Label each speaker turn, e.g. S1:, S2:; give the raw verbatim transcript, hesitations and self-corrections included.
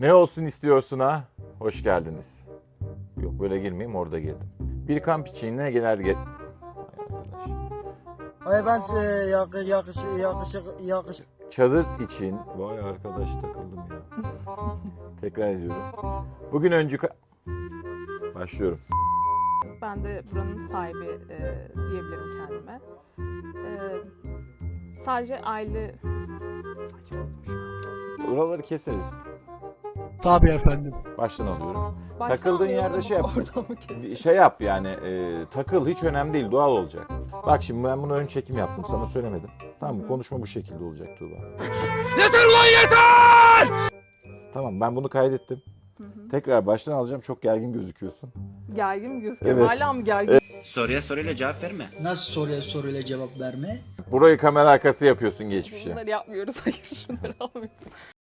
S1: Ne olsun istiyorsun ha? Hoş geldiniz. Yok böyle girmeyeyim, orada girdim. Bir kamp için ne gelir ge...
S2: Ay ben e, yakış yakış yakışık yakış.
S1: Çadır için... Vay arkadaş, takıldım ya. Tekrar ediyorum. Bugün öncü... Başlıyorum.
S3: Ben de buranın sahibi e, diyebilirim kendime. E, sadece aile... Saçmaladım şu an.
S1: Buraları keseriz.
S4: Tabii efendim.
S1: Baştan alıyorum.
S3: Baştan
S1: Takıldığın
S3: alıyorum
S1: yerde
S3: ama
S1: şey yap.
S3: oradan mı kesin?
S1: Bir şey yap yani, e, takıl, hiç önemli değil, doğal olacak. Bak şimdi ben bunu ön çekim yaptım, sana söylemedim. Tamam mı? Konuşma bu şekilde olacak Tuğba.
S4: Yeter lan yeter!
S1: Tamam, ben bunu kaydettim.
S3: Hı hı.
S1: Tekrar baştan alacağım, çok gergin gözüküyorsun.
S3: Gergin mi gözüküyor?
S1: Evet.
S3: Hala mı gergin?
S5: Soruya soruyla cevap verme.
S2: Nasıl soruya soruyla cevap verme?
S1: Burayı kamera arkası yapıyorsun geçmişe.
S3: Bunları yapmıyoruz. Hayır, şunları almıyoruz.